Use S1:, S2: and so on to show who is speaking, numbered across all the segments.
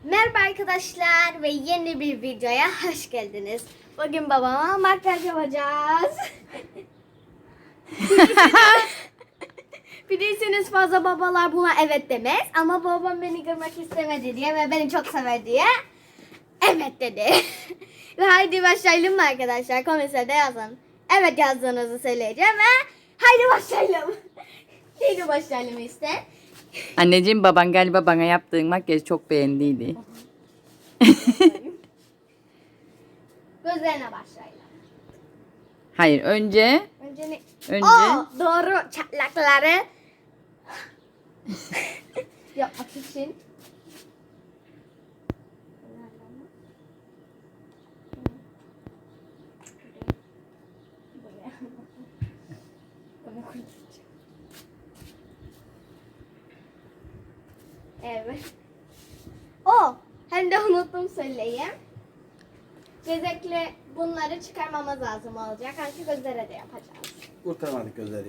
S1: Merhaba arkadaşlar ve yeni bir videoya hoş geldiniz. Bugün babama makyaj yapacağız. Bilirsiniz fazla babalar buna evet demez ama babam beni görmek istemedi diye ve beni çok sever diye evet dedi. Ve haydi başlayalım mı arkadaşlar? Komiserde yazın. Evet yazdığınızı söyleyeceğim ve haydi başlayalım. Haydi başlayalım işte.
S2: Anneciğim, baban galiba bana yaptığın makyajı çok beğendiydi.
S1: Gözlerine başlayalım.
S2: Hayır, önce
S1: Önce ne?
S2: Önce-
S1: Doğru çatlakları yapmak için. Evet. Hem de unuttum söyleyeyim. Bezekle bunları çıkarmamız lazım olacak. Çünkü gözlere de yapacağız.
S3: Kurtarmadık gözleri.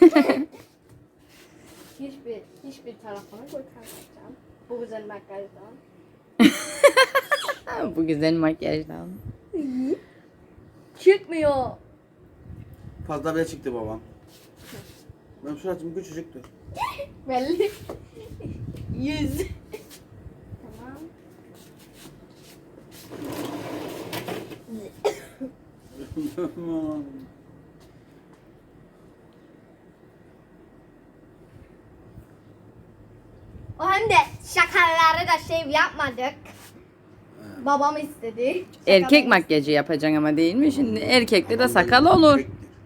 S1: Hiçbir tarafını kurtarmayacağım. Bu güzel makyajdan.
S2: bu güzel makyajdan.
S1: Çıkmıyor.
S3: Fazla bile çıktı babam. Benim suratım küçücüktü.
S1: Belli. 100. Tamam. O hem de şakaları da şey yapmadık. Babam istedi.
S2: Erkek
S1: Şakaları-
S2: makyajı yapacaksın ama değil mi? Şimdi erkekte de sakal olur.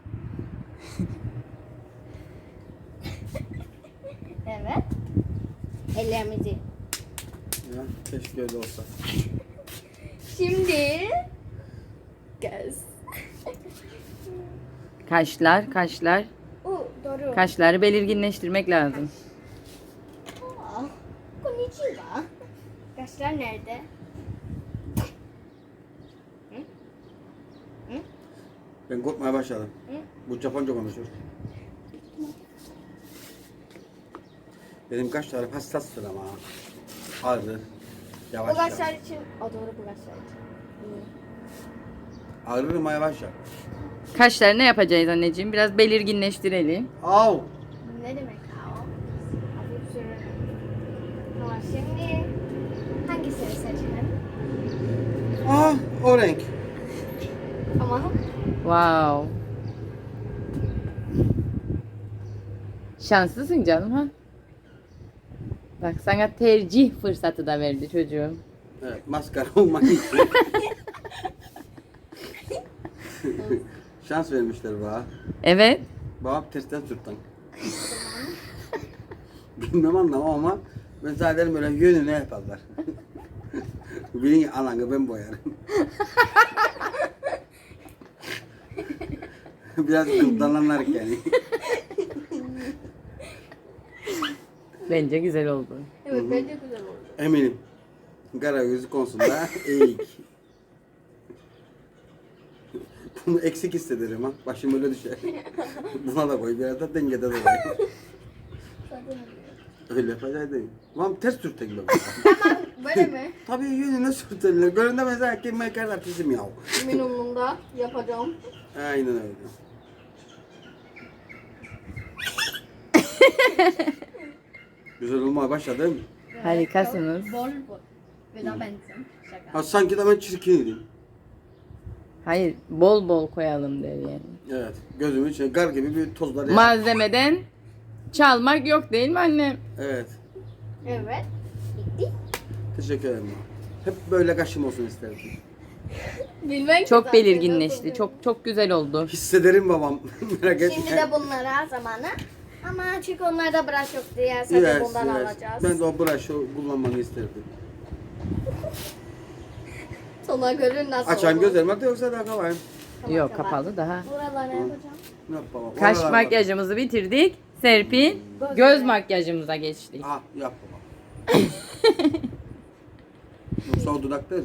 S1: Evet. Ellerimizi.
S3: Ya, keşke öyle olsa.
S1: Şimdi göz.
S2: Kaşlar.
S1: Doğru.
S2: Kaşları belirginleştirmek lazım.
S1: Konnichiwa. Kaşlar nerede?
S3: Ben korkmaya başladım.
S1: Hı?
S3: Bu Japonca konuşuyor. Benim kaşlarım hassastır ama. Ağrı.
S1: Bu
S3: Yavaş
S1: kaşlar
S3: yavaş.
S1: için. O doğru bu kaşlar için.
S3: Ağrır ama yavaş yavaş.
S2: Kaşları ne yapacağız anneciğim? Biraz belirginleştirelim.
S3: Au!
S1: Ne demek o? Hafif sürelim. Tamam şimdi hangisini seçelim?
S3: Ah, o renk.
S1: Tamam.
S2: Wow. Şanslısın canım ha. Bak, sana tercih fırsatı da verdi çocuğum.
S3: Evet, maskara olmak için. Şans vermişler bana.
S2: Evet.
S3: Babam tersten sürtten. Bilmem anlamam ama ben zaten böyle yönüne yaparlar. Bilin ananı ben boyarım. Biraz kıldanlanlar yani.
S2: Bence güzel oldu.
S1: Evet bence güzel oldu.
S3: Eminim. Kara gözü konusunda eğik. Bunu eksik hissederim ha. Başım öyle düşer. Buna da koy biraz da dengede de koy. Öyle yapacaktım. Tamam ters sürtek gibi.
S1: Böyle mi?
S3: Tabii yönüne sürterler. Göründe mesela kim mekarlar bizim yav.
S1: Minimumda yapacağım.
S3: Aynen öyle. Güzel olmaya başladı değil mi?
S2: Harikasınız.
S1: Bol bol. Ve de bensin. Şaka.
S3: Ha, sanki de ben çirkindim.
S2: Hayır, bol bol koyalım der yani.
S3: Evet. Gözümün içine gar gibi bir tozlar ya.
S2: Malzemeden çalmak yok değil mi annem?
S3: Evet.
S1: Evet. Bitti.
S3: Teşekkür ederim. Hep böyle kaşım olsun isterdim.
S1: Bilmem
S2: Çok belirginleşti. Çok güzel oldu.
S3: Hissederim babam. Merak etme.
S1: Şimdi de bunlara zamanı. Ama çünkü onlarda brush yok diye sadece
S3: Yes,
S1: bundan
S3: yes.
S1: alacağız.
S3: Ben de o brush'ı kullanmanı isterdim.
S1: Sonra görün nasıl
S3: Açan
S1: olur.
S3: gözlerime de yoksa daha kalayım.
S1: Tamam,
S2: Yok,
S1: tamam.
S2: kapalı daha.
S1: Buralara yapacağım.
S3: Ne yap babam?
S2: Kaş
S3: Oralar
S2: makyajımızı bitirdik. Serpil, göz makyajımıza geçtik.
S3: bak. Ah yap babam. Yoksa o dudaklar.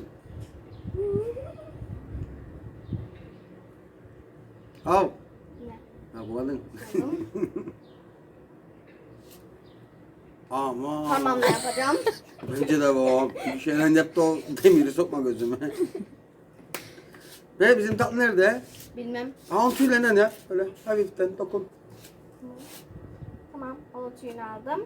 S3: Al.
S1: Ne?
S3: Ha bu kadın. Aman.
S1: Parmağımla yapacağım.
S3: Bence de babam. Bir şeyler yaptı o demiri sokma gözüme. Ve bizim tatlı nerede?
S1: Bilmem.
S3: Onun tüylerinden ya. Öyle hafiften dokun.
S1: Tamam. O tüyünü aldım.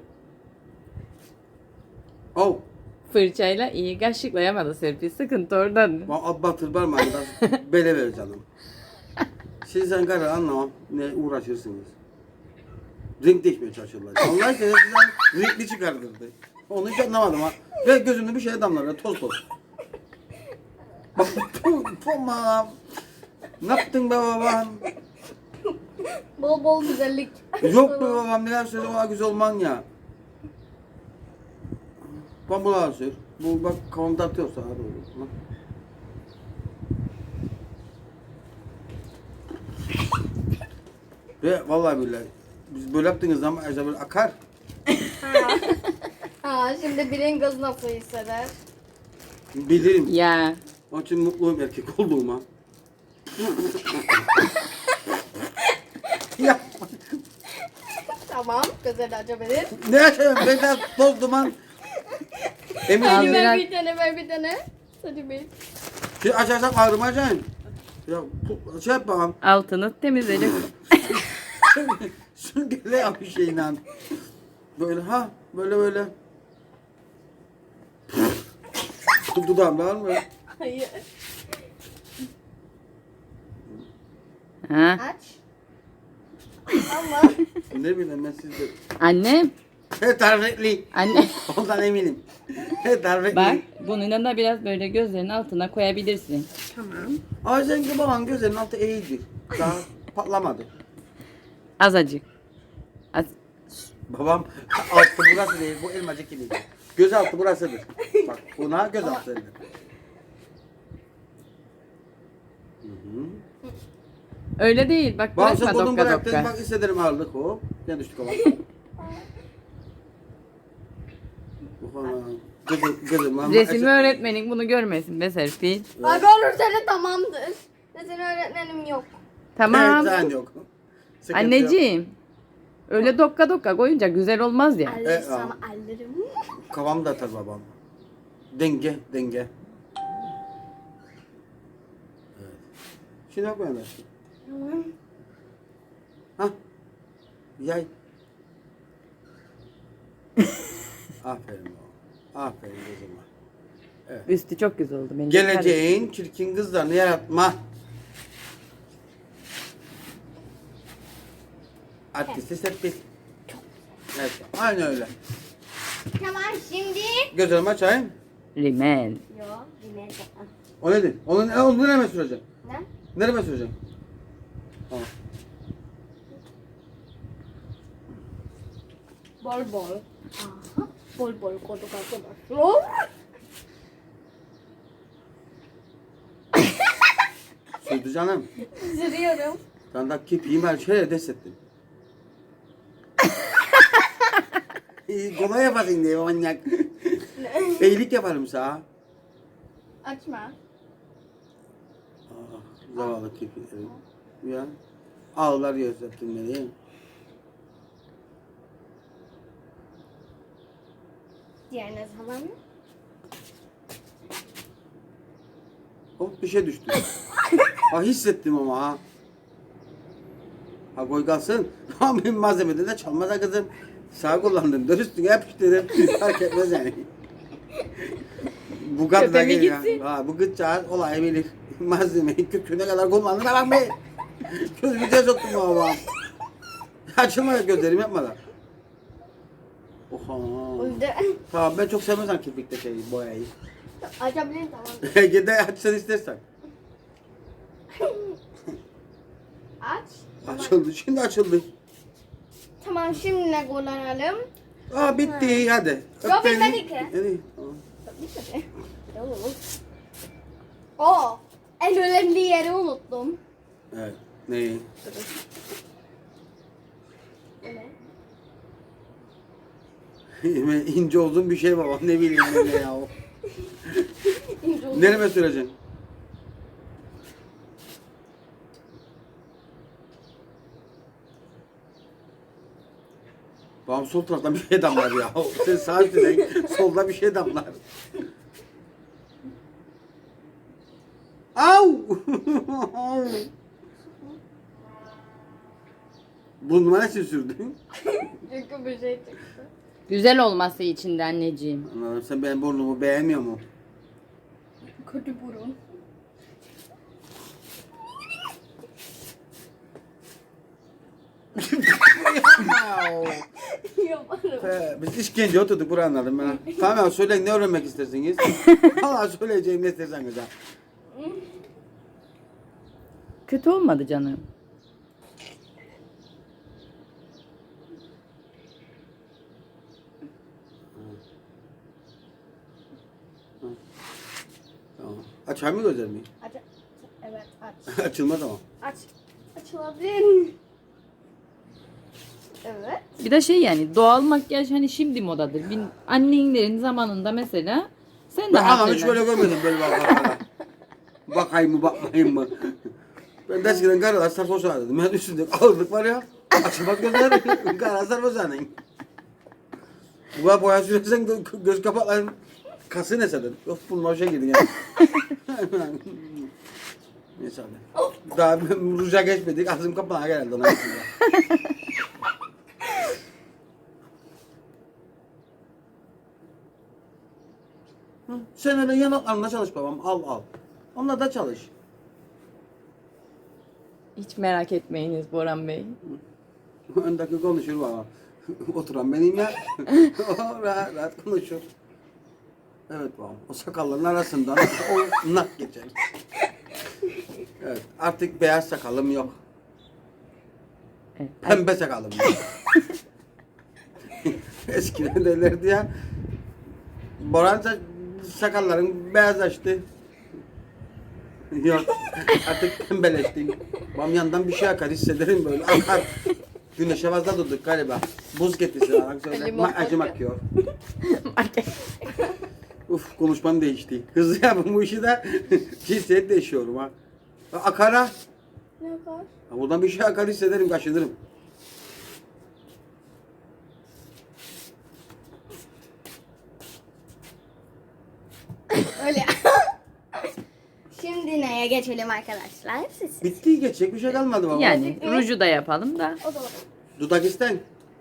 S3: Oh.
S2: Fırçayla iyi kaşıklayamadı Serpil. Sıkıntı oradan.
S3: Batır parmağını da bele ver canım. Siz sen karı anlamam. Ne uğraşırsınız. Renk değişmeye çalışırlar. Allah aşkına sizden renkli çıkardırdı. Onu hiç anlamadım ha. Ve gözümde bir şey damlar ya toz toz. Bak tamam. Ne yaptın be babam?
S1: Bol bol güzellik.
S3: Yok be babam neler söyle ona güzel olman ya. Bak buna sür. Bu bak kavamda atıyor sana doğru. Ve vallahi billahi biz böyle yaptığınız zaman Ejder böyle akar.
S1: Ha. Ha, şimdi Pringles nasıl hisseder?
S3: Bilirim.
S2: Ya.
S3: Onun için mutluyum erkek olduğuma. Ya
S1: Tamam. Güzel açabilir.
S3: ne yaşayayım ben de toz duman. Emin
S2: Al
S1: Hadi
S3: değilim.
S2: biraz.
S1: ver bir tane, ver bir tane. Hadi bir.
S3: Şimdi açarsak ağrımayacaksın. Ya şey yap bakalım.
S2: Altını temizledik.
S3: Süngerle yap bir şeyle. Böyle ha böyle böyle. Dudağımda var mı?
S1: Hayır.
S2: Ha.
S1: Aç. Ama
S3: Ne bileyim ben sizde.
S2: Annem.
S3: He tarifli.
S2: Anne.
S3: Ondan eminim. He tarifli.
S2: Bak bununla da biraz böyle gözlerinin altına koyabilirsin.
S1: tamam.
S3: Ama seninki baban gözlerinin altı iyidir. Daha patlamadı.
S2: Azıcık. Az.
S3: Babam altı burası değil, bu elmacık gibi. Göz altı burasıdır. Bak buna göz altı denir. Hı-hı.
S2: Öyle değil. Bak
S3: Bak
S2: bırakma
S3: sen kolunu
S2: dokka
S3: bıraktın,
S2: dokka.
S3: bak hissederim ağırlık o. Gel düştük ama. Kızım ama...
S2: Resim öğretmenin bunu görmesin be Serpil.
S1: Bak olursa da tamamdır. Senin öğretmenim yok.
S2: Tamam.
S3: Evet, sen yok. Sıkıntı yok.
S2: Anneciğim. Öyle dokka dokka koyunca güzel olmaz ya.
S1: Alırsam alırım.
S3: Kafamı da atar babam. Denge, denge. Evet. Şimdi bak böyle.
S1: Tamam.
S3: Hah. Yay. Aferin oğlum. Aferin kızıma.
S2: Üstü çok güzel oldu. Bence
S3: Geleceğin çirkin kızlarını yaratma. Artisti Serpil. Evet, aynen öyle.
S1: Tamam şimdi.
S3: Gözlerimi açayım.
S2: Rimel.
S1: Yok. Yine de.
S3: O nedir? Onu nereye süreceğim?
S1: Ne?
S3: Nereye süreceğim? Tamam.
S1: Bol bol. Aha. Bol bol koduk arkadaşlar.
S3: Sürdü canım.
S1: Sürüyorum.
S3: Ben de kipiğim her şeye dest ettim. Kolay yapasın diye manyak. İyilik yaparım sana.
S1: Açma.
S3: Zavallı kirpiklerim. Ya. Ağlar gözettin beni.
S1: Diğerine zaman mı?
S3: Hop bir şey düştü. Ha hissettim ama ha. Ha koy kalsın. Ha benim malzemede de çalmaz ha kızım. Sağ kullandım. Dur üstüne yapıştırdım. Fark etmez yani. Bu kadar
S2: Kötü mü
S3: geliyor.
S2: gitsin?
S3: Ha bu gıdacağız olay bilir. Malzemeyi köküne kadar kullandığına bak be. Gözümüze soktum baba. Açılma gözlerim yapmadan. Oha.
S1: Öldü.
S3: Tamam ben çok sevmezsem kirpikte şey boyayı.
S1: Açabilirim tamam.
S3: Gide açsan istersen.
S1: Aç.
S3: Açıldı şimdi açıldı.
S1: Tamam şimdi ne kullanalım?
S3: Aa bitti hadi.
S1: Yok,
S3: Öp beni.
S1: bitmedi ki.
S3: Hadi. Tamam.
S1: Oo. En önemli yeri unuttum.
S3: Evet. Neyi?
S1: Bu ne?
S3: İnce uzun bir şey baba ne bileyim ben ne ya o.
S1: İnce uzun.
S3: Nereme süreceksin? Babam sol taraftan bir şey damlar ya. Sen sağ üstteysen solda bir şey damlar. Au! Burnuma ne sürdün?
S1: Çünkü bir şey çıktı.
S2: Güzel olması için de anneciğim.
S3: Anladım, sen benim burnumu beğenmiyor mu?
S1: Kötü burun. Yaparım.
S3: Biz işkence oturduk buraya anladım ben. Tamam söyleyin, ne öğrenmek istersiniz? Valla söyleyeceğim ne isterseniz ha.
S2: Kötü olmadı canım.
S3: Tamam. Açar mı gözlerimi?
S1: Aç. Evet aç.
S3: Açılmaz ama.
S1: Aç. Açılabilir. Evet.
S2: Bir de şey yani doğal makyaj hani şimdi modadır. Annenlerin zamanında mesela sen de
S3: Ben anam hiç
S2: hatırla.
S3: böyle görmedim böyle bak. Bakayım mı bakmayayım mı? Ben de eskiden karalar sarhoş dedim. Ben üstünde ağırlık var ya. Açılmaz gözler. Karalar sarhoş dedim. Bu kadar boya sürersen göz kapakların kası ne senin? Of bulma şey girdin yani. Neyse abi. Daha ruja geçmedik. Ağzım kapağına geldi ona. Sen öyle yanaklarında çalış babam. Al al. Onunla da çalış.
S2: Hiç merak etmeyiniz Boran Bey.
S3: Öndeki konuşur baba. Oturan benim ya. O rahat rahat konuşur. Evet babam. O sakalların arasından o nak geçer. Evet. Artık beyaz sakalım yok.
S2: Evet.
S3: Pembe sakalım yok. Eskiden derlerdi ya. Boran sakalların beyazlaştı. Yok. Artık pembeleştim. Babam yandan bir şey akar hissederim böyle. Akar. Güneşe fazla durduk galiba. Buz getirsin bana söyle.
S1: Limon
S3: Acım
S1: akıyor.
S3: akıyor. Uf konuşmam değişti. Hızlı yapın bu işi de cinsiyet değişiyorum ha. Akar ha.
S1: Ne yapar?
S3: Ha, buradan bir şey akar hissederim, kaşınırım.
S1: Öyle. Şimdi neye geçelim arkadaşlar? Siz.
S3: Bitti, geçecek bir şey kalmadı baba.
S2: Yani ruju da yapalım da.
S1: O zaman.
S3: Dudak isten.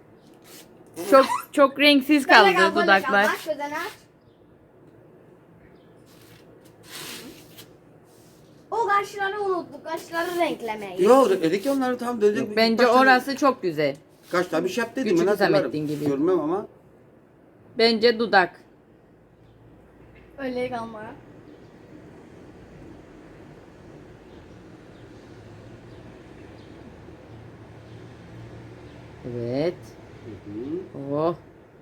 S2: Çok renksiz
S1: Böyle
S2: kaldı
S1: kal, böyle kal.
S2: dudaklar.
S1: Bak gözünü aç. O kaşları unuttuk. Kaşları renklemeyi.
S3: Yok dedik ya onları tam dedik.
S2: Bence orası çok güzel.
S3: Kaç tane bir şey yap dedim.
S2: Küçük
S3: ben hatırlarım.
S2: Hüsamettin gibi.
S3: Görmem ama.
S2: Bence dudak.
S1: Öyle kalma.
S2: Evet. Oh.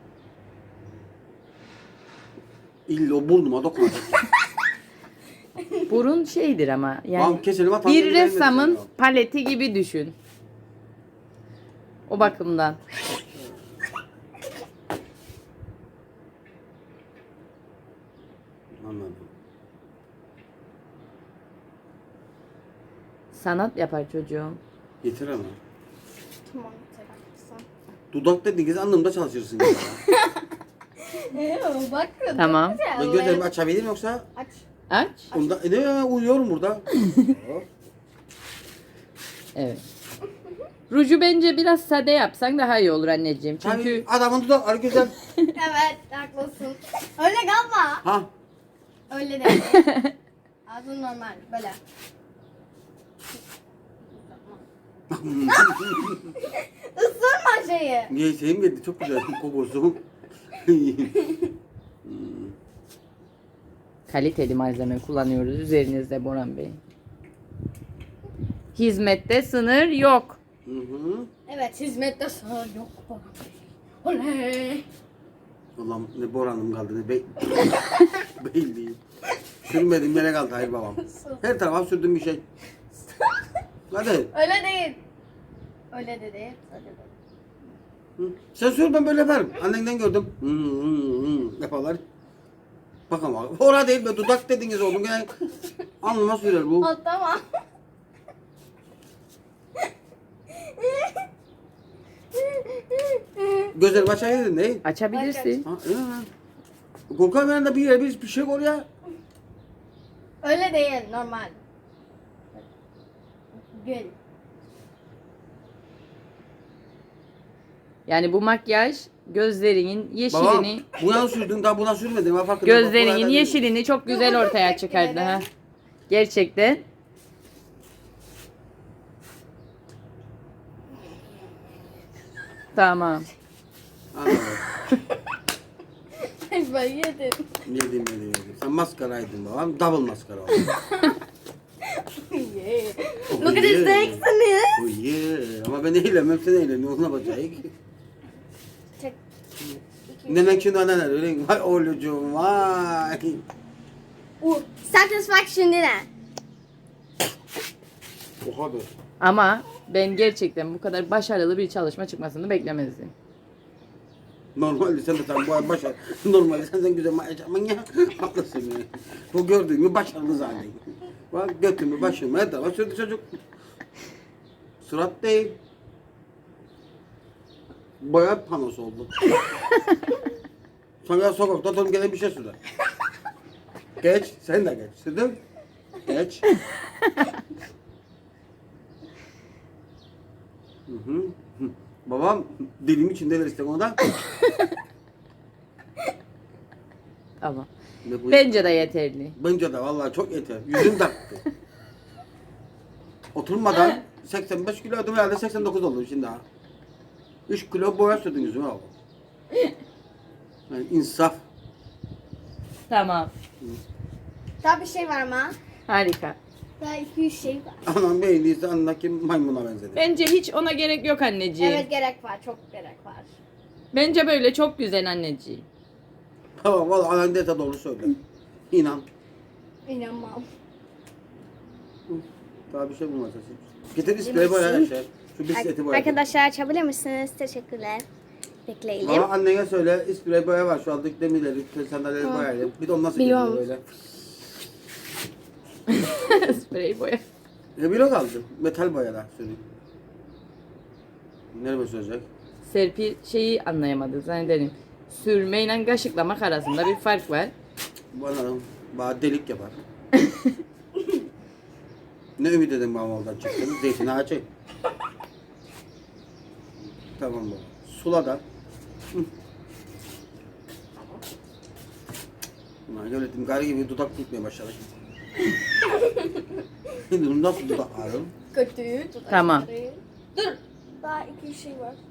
S3: İlla o burnuma dokunacak.
S2: Burun şeydir ama
S3: Tamam,
S2: yani
S3: keselim, atalım,
S2: bir
S3: gidelim
S2: ressamın
S3: mesela.
S2: paleti gibi düşün. O bakımdan.
S3: Anladım.
S2: Sanat yapar çocuğum.
S3: Yeter ama.
S1: Tamam. Sen
S3: Dudak dediğiniz anlamda çalışırsın.
S1: Bak.
S2: Tamam.
S3: Ben gözlerimi açabilirim yoksa?
S1: Aç.
S2: Aç.
S3: Onda, ne ya, uyuyorum burada.
S2: Evet. Ruju bence biraz sade yapsan daha iyi olur anneciğim. Çünkü
S3: Çünkü adamın dudakları güzel.
S1: Evet haklısın. Öyle kalma.
S3: Ha.
S1: Öyle değil. Ağzın normal. Böyle. Isırma şeyi.
S3: Niye şeyim geldi, çok güzel kokusu.
S2: kaliteli malzeme kullanıyoruz üzerinizde Boran Bey. Hizmette sınır yok.
S3: Hı hı.
S1: Evet hizmette sınır yok. Oley.
S3: Allah'ım ne Boran'ım kaldı ne beyliğim. Sürmedim yere kaldı hayır babam. Her tarafa sürdüm bir şey. Hadi.
S1: Öyle değil. Öyle de değil. Öyle değil.
S3: Hı. Sen sür ben böyle yaparım. Annenden gördüm. Hı, yaparlar. Bak ama orada değil be dudak dediniz oğlum. Yani alnıma sürer bu.
S1: Al tamam.
S3: Gözlerimi açaydın değil.
S2: Açabilirsin.
S3: Ha, iyi mi? Korkarım yanında bir yere bir şey koy ya.
S1: Öyle değil, normal. Gül.
S2: Yani bu makyaj gözlerinin
S3: Babam
S2: yeşilini,
S3: buna sürdün daha buna sürmedin. Ben farkında.
S2: gözlerinin yeşilini çok güzel
S1: Yok,
S2: ortaya
S1: çok
S2: çıkardı
S1: teşekkür
S2: ha.
S1: ederim.
S2: Gerçekten. Tamam.
S3: Anladım.
S1: Ben yedim.
S3: Yedim. Sen maskaraydın babam. Double maskara oldu.
S1: Yeah.
S3: Oh,
S1: Look at his
S3: yeah.
S1: legs and this.
S3: Oh yeah. Ama ben eğlenmem sen eğleniyorsun. Ne yapacağız?
S1: Çek.
S3: Demek ki ne öyle. Vay oğlucuğum vay.
S1: Satisfaction ne?
S3: Oha be.
S2: Ama ben gerçekten bu kadar başarılı bir çalışma çıkmasını beklemezdim.
S3: Normalde sen de sen bu başar. Normalde sen güzel makyaj yapman ya. Haklısın yani. Bu gördüğün başarılı zaten. Bak götümü başımı her tarafa sürdü çocuk. Surat değil. Boya panosu oldu. Sonra sokakta oturup gelen bir şey sürer. Geç, sen de geç. Sürdün. Geç. Hı. Babam dilim içinde ver işte onu da.
S2: Tamam.
S3: Ve bu-
S2: Bence de yeterli.
S3: Bence de vallahi çok yeter. Yüzüm taktı. Oturmadan 85 kilo ödüm herhalde 89 oldu şimdi ha. 3 kilo boya sürdün yüzüme abi. Yani insaf.
S2: Tamam.
S1: Daha bir şey var mı?
S2: Harika.
S1: Daha 200 şey var.
S3: Anam beğendiyse anındaki maymuna benzedi.
S2: Bence hiç ona gerek yok anneciğim.
S1: Evet gerek var, çok gerek var.
S2: Bence böyle çok güzel anneciğim.
S3: Tamam valla anan dete doğru söyle. İnan.
S1: İnanmam.
S3: Daha bir şey bulmazsın. Getir ispreyi boya her şey. Şu bisikleti boya.
S1: Arkadaşlar açabilir misiniz? Teşekkürler. Bekleyelim.
S3: Ama annene söyle isprey boya var şu aldık demirleri, sandalyeleri boyayalım. Bir de onu nasıl
S1: Biliyorum.
S3: gidiyor böyle.
S2: Sprey boya.
S3: Bir kaldı. Metal boyalar sürüyor. Nereye sürecek?
S2: Serpil şeyi anlayamadı zannederim. Sürmeyle kaşıklamak arasında bir fark var.
S3: Bana delik yapar. Ne ümit edin babam oradan çıktım. Zeytin ağacı. Tamam baba. Sula da. Ulan devletim gari gibi dudak tutmaya başladı. Şimdi bunu nasıl dudak ağrım?
S1: Kötü. dudakları.
S2: Tamam.
S1: Dur. Daha 200 şey var.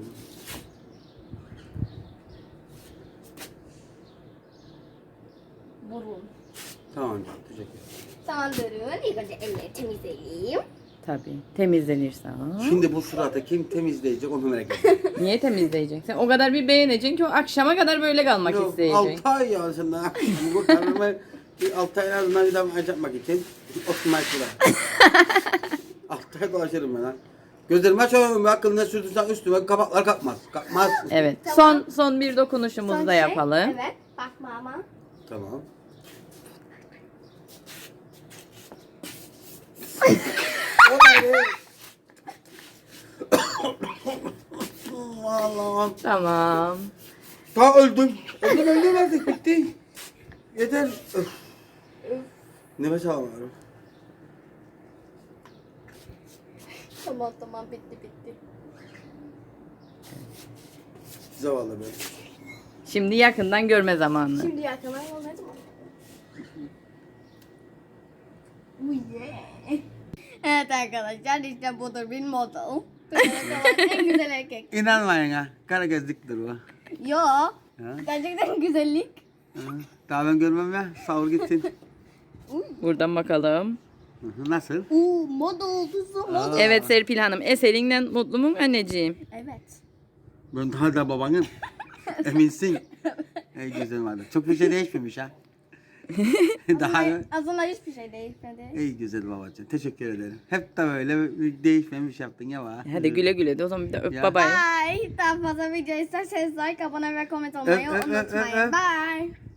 S1: Burun.
S3: Tamam canım teşekkür ederim.
S1: Tamam durun. İlk önce elleri temizleyelim.
S2: Tabii. Temizlenirse.
S3: Şimdi bu suratı kim temizleyecek onu merak ediyorum.
S2: Niye temizleyeceksin? O kadar bir beğeneceksin ki o akşama kadar böyle kalmak isteyeceksin.
S3: 6 ay ya sen daha. Bu kararımı bir 6 ay en azından bir daha yapmak için oturmak şurada. 6 ay dolaşırım ben ha. Gözlerimi açıyorum ve akıllı ne sürdürsen üstüme kapaklar kalkmaz. Kalkmaz.
S2: Evet. Son bir dokunuşumuzu
S1: Son
S2: da
S1: şey,
S2: yapalım.
S1: Evet. Bakma ama.
S3: Tamam. Allah'ım.
S2: Tamam.
S3: Ta öldüm. Öldüm artık bitti. Yeter. Öf. Nefes alamıyorum.
S1: Tamam bitti.
S3: Zavallı ben.
S2: Şimdi yakından görme zamanı.
S1: Şimdi yakına yol ne zaman? Yeah. Evet arkadaşlar işte budur bir model. En güzel erkek.
S3: İnanmayın ha. Kara gözlüktür bu.
S1: Yo.
S3: Ha?
S1: Gerçekten güzellik.
S3: Ha? Daha ben görmem ya. Savur gitsin.
S2: Buradan bakalım.
S3: Hı hı, nasıl?
S1: Model tuzu model.
S2: Evet Serpil Hanım. Eserinden mutlu mu anneciğim?
S1: Evet.
S3: Ben daha da babanım. Eminsin. Ey güzel vardı. Çok bir şey değişmemiş ha. Daha
S1: Aslında hiçbir şey değişmedi.
S3: ey güzel babacığım. Teşekkür ederim. Hep de böyle değişmemiş yaptın ya bana.
S2: Hadi güle güle de o zaman bir de öp
S3: Ya.
S2: babayı.
S1: Bye. Daha fazla video isterseniz like, abone ve koment olmayı
S3: Öp, öp, öp, öp,
S1: unutmayın.
S3: öp.
S1: Bye.